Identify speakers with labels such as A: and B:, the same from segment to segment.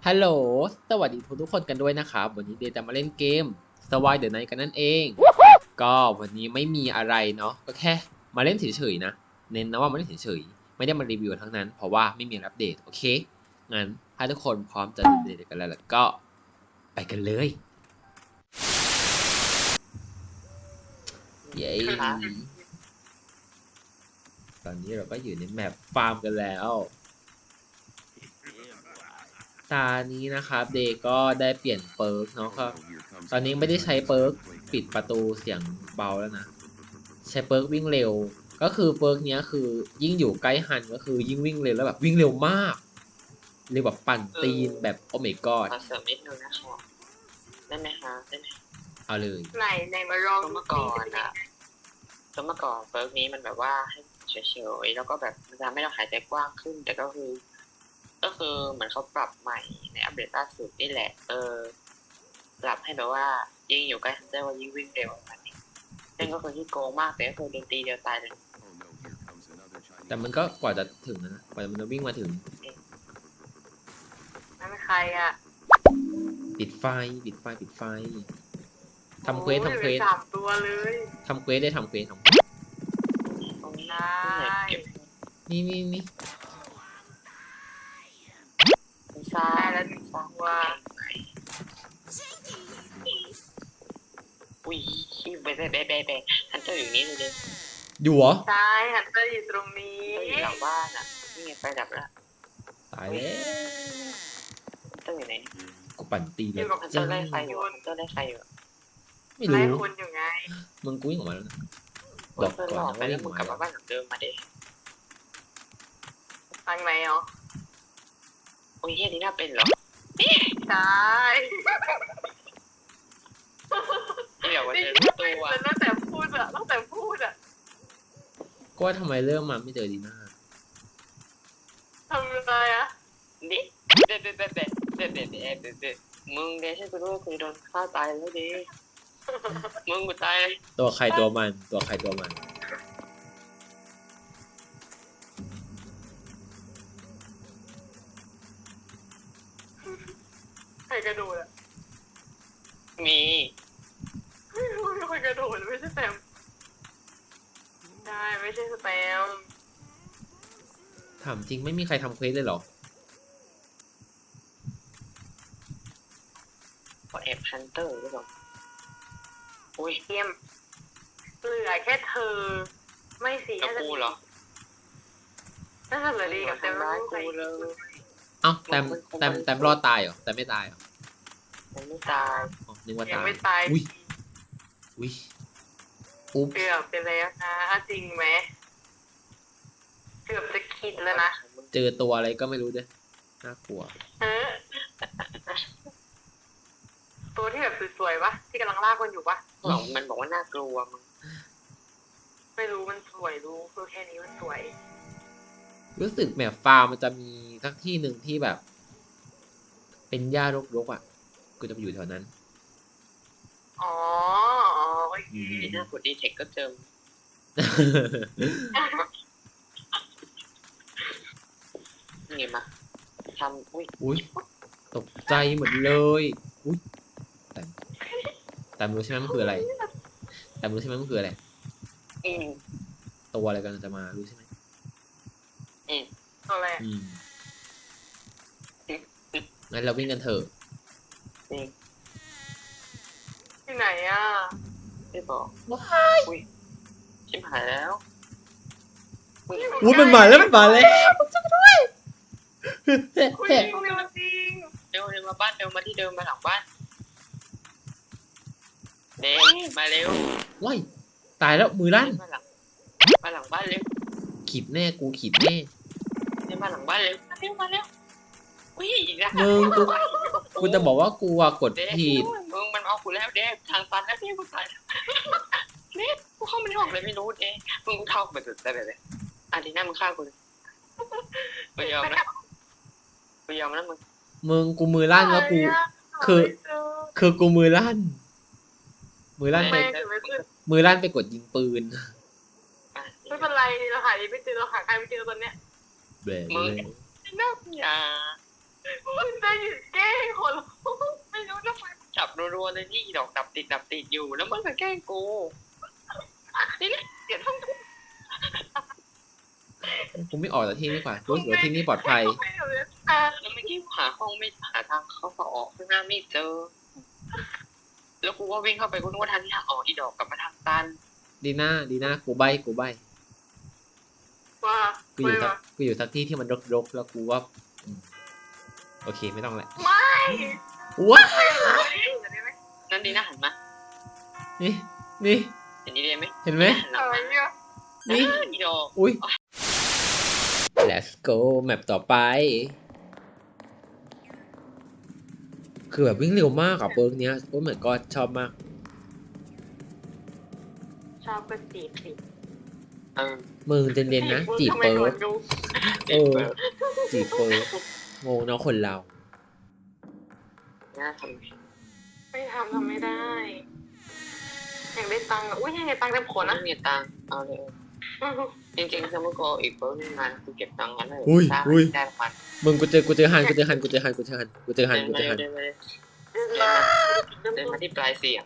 A: ฮัลโหลสวัสดีทุกคนกันด้วยนะครับวันนี้เดย์จะมาเล่นเกม Survive the Night กันนั่นเอง ก็วันนี้ไม่มีอะไรเนาะก็แค่มาเล่นเฉยๆนะเน้นนะว่ามาเล่นเฉยๆไม่ได้มารีวิวทั้งนั้นเพราะว่าไม่มีอัปเดตโอเคงั้นถ้าทุกคนพร้อมจะเดทกันแล้วก็ไปกันเลยเย้ตอนนี้เราก็อยู่ในแมปฟาร์มกันแล้วตานี้นะครับเดย์ก็ได้เปลี่ยนเปิร์กเนาะครับตอนนี้ไม่ได้ใช้เปิร์กปิดประตูเสียงเบาแล้วนะใช้เปิร์กวิ่งเร็วก็คือเปิร์กเนี้ยคือยิ่งอยู่ใกล้ฮันก็คือยิ่งวิ่งเร็วแล้วแบบวิ่งเร็วมากเรียกแบบปั่นตีนแบบโอ้ my god
B: ขอเสริมนิดนึงนะคะได้ไหมคะได้ไหม
A: เอาเลย
C: ไหนมาลอง
B: เมื่อก่อนอะเมื่อก่อนเฟิร์กนี้มันแบบว่าให้เฉยๆแล้วก็แบบมันทำให้เราหายใจกว้างขึ้นแต่ก็คือเหมือนเขาปรับใหม่ในอัปเดตล่าสุดนี่แหละปรับให้แบบว่ายิ่งอยู่ใกล้ฮันเตอร์ว่ายิ่งวิ่งเร็วแบบนี้ซึ่งก็คือที่โกงมากแต่ก็คือโดนตีเดียวตายเลย
A: แต่มันก็กว่าจะถึงนะกว่ามันจะวิ่งมาถึง
C: นั่นใครอ่ะ
A: ปิดไฟทำเควส
C: โอ้ยสามตัวเลย
A: ทำเควสได้ทำเควส
B: ตรงนี้
C: ได้
B: เก็บ
A: นี่
B: ไม่ทราบ
C: ได้แล้วหนึ่งตัว
B: อุ้ยเบ๊ฮันเตอร์อยู่นี่เลยดิ
A: อยู่เหรอ
C: ใช่ฮันเตอร์อยู่ตรงนี้
B: อยู่หลังบ้านอ่ะนี่ไงไฟดับแล้ว
A: ตายแล้ว
B: ฮันเตอร์อยู่ไหน
A: กูปั่นตีเลย
B: ฮันเตอร์ไล่ใครอยู่ฮันเตอร์ไล่ใครอยู่
A: ไม่
C: ไล่
A: รู้
C: คุณอยู่ไง
A: มึงกูวิ่งออกมาแล้วนะ
B: บอก
A: ก่อน
B: หลอก
A: นะ
B: ไป
A: ว่า
B: แล้ว
A: วิ่ง
B: มึ
A: อง อก
B: กลับ
A: มา
B: มาบ้านหลังเดิมมาดิ
C: ทางไหนอ๋อ
B: โอ้ยเฮียนี่น่าเป็นเหรอ
C: ใช่
B: นี่เดี๋ยวว่า
C: นี่
B: เจอ
C: พูด
B: ตัว
C: แล้วตั้งแต่พูดอ่ะ
A: ก็ว่าทำไมเริ่มมาไม่เจอดีน่า
C: ทำอะไรอ่ะ
B: นี่เด็ดมึงเดชกูรู้คือโดนฆ่าตายแล้วดิมึงกูตายเลย
A: ตัวใครตัวมัน
C: ใครกระโดดอ่ะ
B: มี
C: ไม่รู้มีคนกระโดดไม่ใช่แซมได้ไม่ใช่สแตม
A: ถามจริงไม่มีใครทำเควสเลยเหรอ
B: พอแอบฮันเตอร์หรือเปล่าอุ้ย
C: เทียมเหลือแค่เธอ ไม่สิ
B: แล้วกูเหรอ
C: น่าจะเหลือดีกับแซม
B: ร้าย
C: ใคร
B: กูเลย
A: เอ้าแต้มรอดตายเหรอแต่ไม่ตายเหรอ
B: มันไม่ตาย
A: อ๋อนึกว่า
C: ยั
A: ตาง ย
C: ไม่ตาย
A: อุ้ยอุ๊บ
C: เกือบไปแล้วนะจริงไหมเกือบจะคิดแล้วนะ
A: เจอตัวอะไรก็ไม่รู้ด้วยน่ากลัว
C: เออตัวที่แบบสวยๆปะที่กำลังลากคนอยู่ปะ
B: มันบอกว่าน่ากลัวมึง
C: ไม่รู้มันสวยรู้คือแค่นี้มันสวย
A: รู้สึกแมปฟาร์มมันจะมีสักที่หนึ่งที่แบบ เป็นหญ้ารกๆอ่ะกูจะไปอยู่แถวนั้น
C: อ๋อโอเค
B: ไอ้หน้ากดดีเทคก็เจอนี่มาทำอุ้ย
A: อุ้ยตกใจหมดเลยอุ้ยแต่รู้ใช่ไหมมันคืออะไรแต่รู้ใช่ไหมมันคืออะไร
B: อืม
A: ตัวอะไรกันจะมารู้ใช่ไหม
C: ตัวอะไร
A: งั้นเราวิ่งกันเถอะ
B: นี่
C: ที่ไหนอ่ะ
B: ไม่บอกอุ้ยชิบหายแล้ว
A: อุ้ยมันมาแล้ว
C: คุยจริงจริง
B: เร็วมาบ้านเร็วมาที่เดิมมาหลังบ้านเด็กมาเร็ว
A: ว้ายตายแล้วมือลั่น
B: มาหลังบ้านเร็ว
A: ขีดแน่กูขีดแน่
B: มาหลังบ้านเร็วมาเร็วอุ้ยอีกแล้ว
A: มึงกูจะบอกว่ากูอะกด
B: เด็ก
A: ผิด
B: มึงมันเอากูแล้วเด็กทางตันแล้วนี่กูตายเด็กกูเข้าไม่ออกเลยไม่รู้เด็กมึงเข้าไปสุดเลยอันนี้น่ามึงฆ่ากูเลยกูยอมนะมึง
A: กูมือลั่นแล้วกู คือกูมือลั่นไป
C: ไม่ถึงไม่ขึ้น
A: มือลั่นไปกดยิงปืน
C: ไม่เป็นไรเราหาไม่เจอเราหาใครไม่เจอตอนเนี้ย
A: แบบ
B: มึง
A: เลย
B: น่าอย่า
C: คุณได้หยุดแกล้
B: รัวๆเลยนี่ดอกดับติดอยู่แล้วมันก็แกล้งกูนี่แหละเดี๋ยวต้อง
A: กูไม่ออกจากที่นี่ดีกว่ากูรู้สึกว่าที่นี่ปลอดภัย
B: แล้วเมื่อกี้หาห้องไม่หาทางเข้าออกข้างหน้าไม่เจอ แล้วกูก็วิ่งเข้าไปกูนึกว่าทางที่ทางออกอีดอกกลับมาทางตัน
A: ดีน่ากูใบ
C: ว่า
A: กูอยู่สักที่ที่มันรกๆแล้วกูว่าโอเคไม่ต้องแหละ
C: ไม่
A: ว้า
B: นั่นดีนะหันมา
A: นี่
B: เห็นดีเลยไหม
A: เห็นไหม
B: หันหลัง
C: อะไร
B: มา
C: เนี่ย
A: นี่
B: อีดอก
A: อุ้ย let's go แมปต่อไป คือแบบวิ่งเร็วมากอะเบิร์กเนี้ยโอ้ยเหมือนก็ชอบมาก
C: ชอบก็จีบสิ
A: มึงเจนๆนะจีบเบิร์กเออจีบเบิร์กงงเนาะคนเรา
B: น่าท
C: ไม่ทำไม่ได้อยากได้ตังค์อุ้ยยังไงตังค์เต็มขน
B: ำ
C: นะ
B: ไม่มีตังค์เอาเลยจริงๆสมมติกูอีกเพิ่มงานกูเก็บตังค์งั้นเลย
A: อุ้ย
B: ได้ประมาณ
A: มึงกูเจอฮัน
B: เดินมาที่ปลายเสียง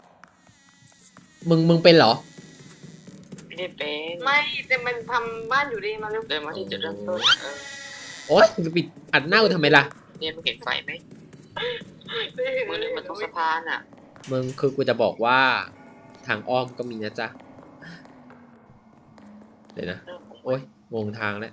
A: มึงเป็นเหรอ
B: ไม่ได้เป็น
C: ไม่แต่มันทำบ้านอยู่ดีมาเร็ว
B: เดินมาที่จุดเริ่มต้น
A: โอ๊ยมึงจะปิดอัดหน้ากูทำไมล่ะ
B: เนี่ยมึงเห็นไฟไหมมึงนึกมันตรงสะพานอ่ะ
A: มึงคือกูจะบอกว่าทางอ้อมก็มีนะจ๊ะ เดี๋ยวนะ โอ๊ยงงทางแล้ว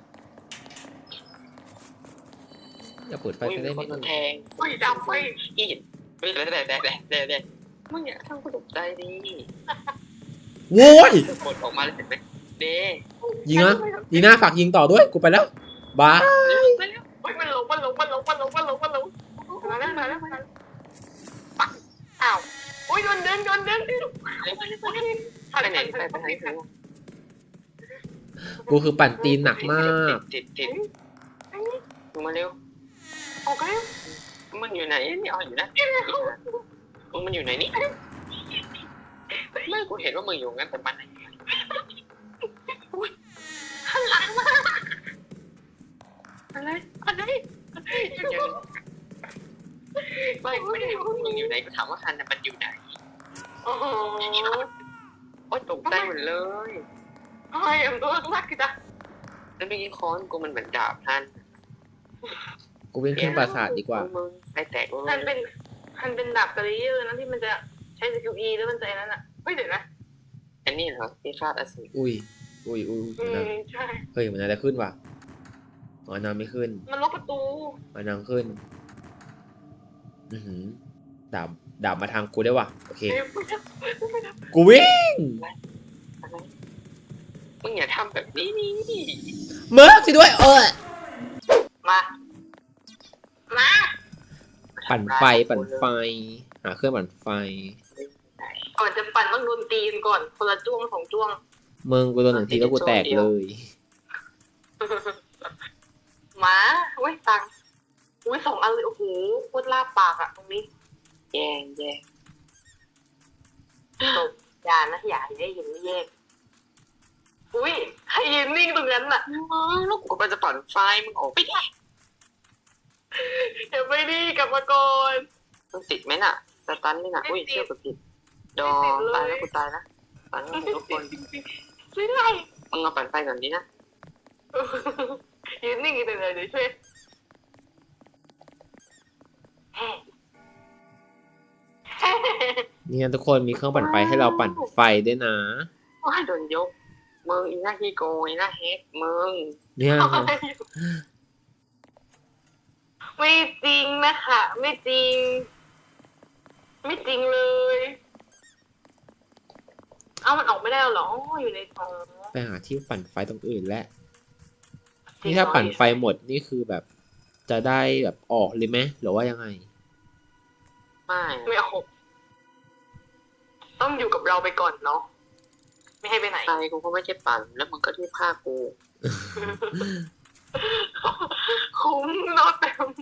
A: อย่าเปิดไฟ
B: อุ้ย
A: กัน
B: มี
A: ได้
B: ค
A: ไหม
B: นแทง
C: อุ้ยดำไป
B: อีดเฮ้ยเด็ดมึงอย่าทำกูตกใจดิ
A: โว้ย
B: กดออกมาเลยเห็นไหมเด้
A: ยิงนะยิงหน้าฝากยิงต่อด้วย กูไปแล้วบาย
C: อุ้ยมันลงมาแล้วมาแล้วอ้าวอุ้ยโดนเดินอะไร
B: ไปไหนไปทางนี้
A: กูคือปั่นตีนหนักมาก
B: ติดมึงมาเร็ว
C: ออกแล้ว
B: มึงอยู่ไหนนี่อ๋ออยู่นะมึงมันอยู่ไหนนี่ไม่กูเห็นว่ามึงอยู่งั้นแต่มัน
C: หันหลังมาอะไร
B: ไม่ได้ถามว่ามึงอยู่ไหนกูถามว่าฮันน่ะมันอยู่ไหน
C: โอ้โห
B: โอ๊ยตกใจหมดเลย
C: ทำไมตัวรักกันจ้ะ
B: แล้วเมื่อกี้ค้อนกูมันเหมือนดาบฮัน
A: กูวิ่งขึ้นปราสาทดีกว่า
B: มึงไอแตกกู
C: มันเป็นดาบกระดิ่งนะที่มันจะใช้สกิล E แล้วมันจะนั้นอ่ะเฮ้ยเดี๋ยวนะ
B: อันนี้เหรอที่คาดอสูร
A: อุ้ยนะ
C: ใช่
A: เฮ้ยมันน่าจะขึ้นว่ะอ๋อนางไม่ขึ้น
C: มันล็อกประตู
A: อ๋อนางขึ้น ดาบมาทางกูได้ว่ะ โอเค กูวิ่ง
B: อะไรมึงอย่าทำแบบนี้นี่
A: เมิร์กสิด้วย
C: มา
A: ปั่นไฟ หาเครื่องปั่นไฟ
C: ก่อนจะปั่นต้องโดนตีนก่อนคนละจ้วง2จ้วง
A: มึงกูโดนหนึ่งทีแล้วกูแตกเลย
C: หมาเว้ยตังอุ้ย2 อันเลยโอ้โหโคตรลาบปากอะตรงนี้
B: แย่
C: ตบอย่านะอย่าได้ยินไม่แยกอุ้ยให้ยืนนิ่งตรงนั้นน่ะ
B: แล้วกูก็จะปั่นไฟมึงออกไปได้
C: เดี๋ยวไม่ดีกลับมาก่อน
B: มึงติดไหมน่ะสตันนี่น่ะอุ้ยเชื่อกูผิดดอตายแล้วกูตายนะปั่นให้ทุกคน
C: ช่วยได้
B: มึงเอาปั่นไฟก่อนดีนะ
C: ยืนนิ่งอีกเลยเดี๋ยวช่วยแฮ่
A: เนี่ยทุกคนมีเครื่องปั่นไฟให้เราปั่นไฟด้วยนะ
B: ว้ายโดนยกมึงอีหน้าขี้โกงอีหน้าเฮกมึง
A: เนี่ย
C: ไม่จริงนะคะไม่จริง ไม่จริงเลย เอามันออกไม่ได้หรออยู่ในท้อง
A: ไปหาที่ปั่นไฟตรงอื่นแล้วนี่ถ้าปั่นไฟหมดนี่คือแบบ จะได้แบบออกเลยไหมหรือว่ายังไง
B: ไม่
C: ไม่ออกต้องอยู่กับเราไปก่อนเนาะไม่ให้ไปไหน
B: ไฟกูก็ไม่ใช่ปั่นแล้วมึงก็ที่ผ้ากู
C: คุ้มเนอะเต็ม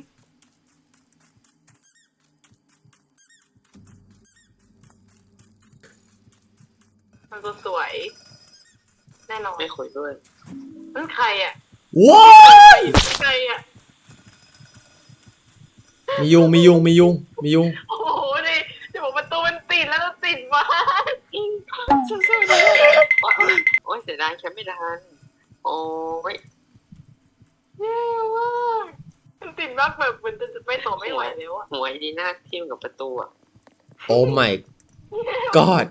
C: มันตัวสวย แน่นอน
B: ไม่คุยด้วย
C: นั่นใครอ่ะ
A: ว้าย
C: ใครอ่ะ
A: มียุง
C: โอ้โหนี่จะบอก
B: เสียดายแคปไม่ทันโอ้ย
C: แย่มากมันติดมากแบบมันจะไปต่อไม่ไหวแล้วอะ
B: หัวไอ้ดีน่าทิ่มกับประตูอ่ะ
A: โอ้ my god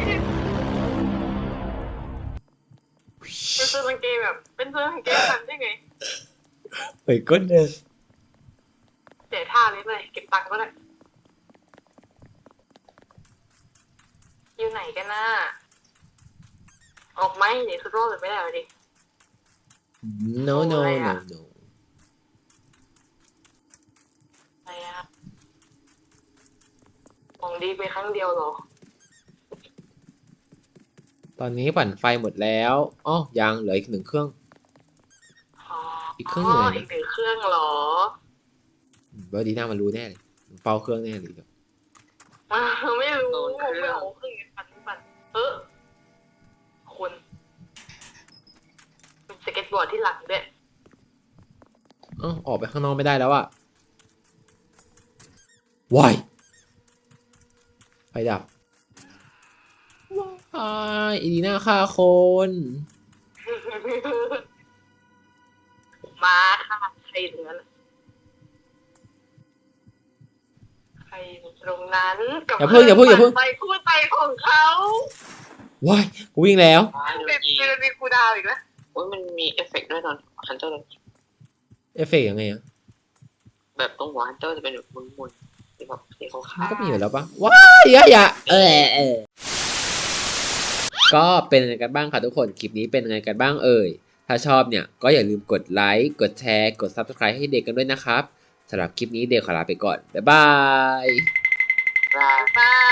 C: เป็นเสื้อกางเกงแบบเป็นเสื้อกางเกงทันได้ไง
A: my goodness
C: เสียท่าเลยเลยเก็บตังค์ก็ได้อยู่ไหนกันน่ะออกไหมเดี๋ยวสุดโรดไม่ได้เลยดิ
A: no no
C: อะไร
A: no
C: อะ
A: no
C: อะไรอะของดีไปครั้งเดียวเหรอ
A: ตอนนี้ปั่นไฟหมดแล้วอ๋อยังเหลืออีก1 เครื่อง
C: อ๋อ
A: อีกเครื่องอยู่ไหนนะ
C: อีก1 เครื่องเหรอ
A: ว่าดีน่ามันรู้แน่เลยมันเฝ้าเครื่องแน่เลยเดี๋ยว
C: ไม่รู้ไม่เอาเครื่องปั่นคนมีสเก็ตบอร์ดที่หลังด้วย
A: อ้าวออกไปข้างนอกไม่ได้แล้วอะวายไฟดับว้ายอีดีน่าฆ่าคน
C: มาค่ะใครเหลือล่ะใครอยู่ตรงนั้นกับ
A: อย่าเพิ่ง
C: ไปคู่ใจของเขา
A: ว้ายกูวิ่งแล้ว
B: ว้ายโด
C: ติ
B: น
C: ด
B: ยิง
C: เจอมีคูดาวอีกแล้ว
B: โอ้ยมันมีเอฟเฟกต์ด้วยตอนฮันเตอร์
A: เอฟเฟกต์ยังไงอะ
B: แบบตรงหัวฮันเตอร์จะเป็นแบบมุนๆที่แบบสีขาว
A: มันก็มีอยู่แล้วปะว้ายอย่าก็เป็นยังไงกันบ้างค่ะทุกคนคลิปนี้เป็นยังไงกันบ้างเอ่ยถ้าชอบเนี่ยก็อย่าลืมกดไลค์กดแชร์กด Subscribe ให้เด็กกันด้วยนะครับสำหรับคลิปนี้เด็กขอลาไปก่อนบ๊ายบาย
B: ๆ
C: บาย